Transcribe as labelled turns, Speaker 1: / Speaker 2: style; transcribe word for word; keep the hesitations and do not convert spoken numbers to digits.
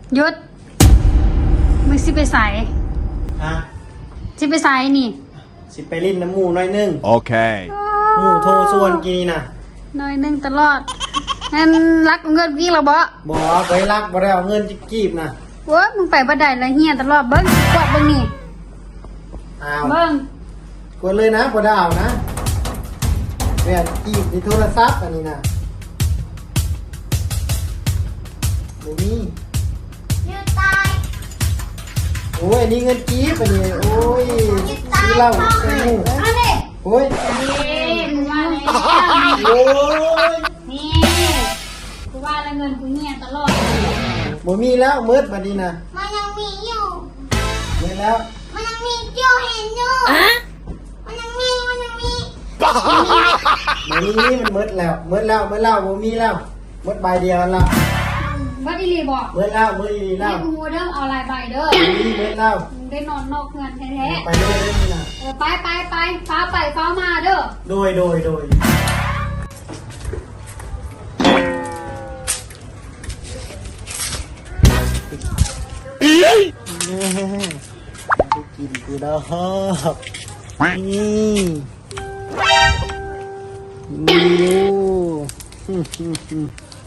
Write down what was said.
Speaker 1: หยุดมึงสิไปใส่
Speaker 2: ฮะ
Speaker 1: สิไปใส่นี่
Speaker 2: สิไปลิ้นน้ำหมูหน่อยนึง
Speaker 3: Okay.
Speaker 2: หมูโทรส่วนกี่นะ
Speaker 1: หน่อยหนึงตลอดงั้นรักเงินกี่เราบ่
Speaker 2: บอกไปรักบ่ได้เอาเงินจิกีบนะ
Speaker 1: โว้ยมึงไปบ่ได้ละเฮียตลอดเบิ้งกวาดเบิ้งนี่
Speaker 2: อ้าว
Speaker 1: เบิ้ง
Speaker 2: กดเลยนะบ่ได้เอานะแม่นกีบในโทรศัพท์อันนี้นะบ่มี
Speaker 4: ยืดตาย
Speaker 2: โอ้ยอันนี้เงินกีบอันนี้โอ้ย
Speaker 4: ยืดตาย
Speaker 2: ซื้อเหล้าใส่หมู
Speaker 4: อันนี้
Speaker 2: โอ้ย
Speaker 1: นี่มึงว่าแล้ว
Speaker 2: โอ้ย
Speaker 1: นี่กูว่าแล้วเงินกูเฮียตลอด
Speaker 2: บ่มีแล้วมืดบัดนี้นะ
Speaker 4: มันยังมีอยู่
Speaker 2: มืดแล้ว
Speaker 4: มันยังมีอยู่เห็นอยู่มันยังมีมันยังมี
Speaker 2: บ่มีมันมืดแล้วมืดแล้วมืดแล้วบ่มีแล้วมืดใบเดียวแล้ว
Speaker 1: ว่าดีลีบอก
Speaker 2: มืดแล้วมืดอีแล้
Speaker 1: ให้
Speaker 2: ว
Speaker 1: กูเด้อเอาลายใบเด้อ
Speaker 2: บ่มีมืดแล้ว
Speaker 1: มึงได้นอนนอกเงินแท้
Speaker 2: ไปเลยเด้อนี่นะ
Speaker 1: ๆเออไปไปไปฟ้าไปฟ้ามาเด้อ
Speaker 2: โดยโดยโดยกูกินกูดอกนี่นี่